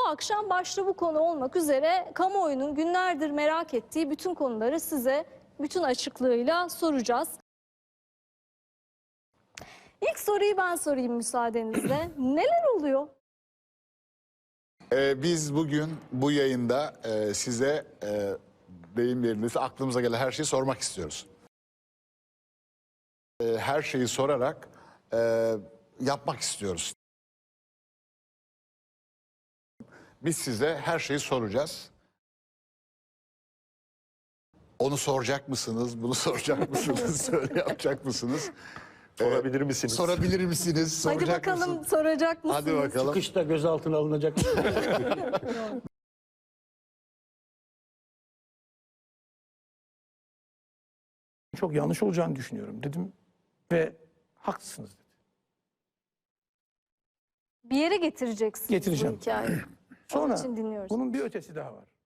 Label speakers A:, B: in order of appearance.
A: akşam başta bu konu olmak üzere kamuoyunun günlerdir merak ettiği bütün konuları size bütün açıklığıyla soracağız. İlk soruyu ben sorayım müsaadenizle. Neler oluyor?
B: Biz bugün bu yayında size deyim yerindeyse aklımıza gelen her şeyi sormak istiyoruz. Her şeyi sorarak yapmak istiyoruz. Biz size her şeyi soracağız. Onu soracak mısınız? Bunu soracak mısınız? Öyle yapacak mısınız?
C: Sorabilir misiniz?
B: Sorabilir misiniz?
A: Hadi
B: Soracak
A: bakalım
B: mısınız?
A: soracak mısınız?
B: Hadi bakalım.
C: Çıkışta gözaltına alınacak. Çok yanlış olacağını düşünüyorum dedim ve haklısınız dedi.
A: Bir yere getireceksiniz
C: Getireceğim.
A: bu hikayeyi.
C: Sonra
A: için dinliyoruz.
C: bunun bir ötesi daha var.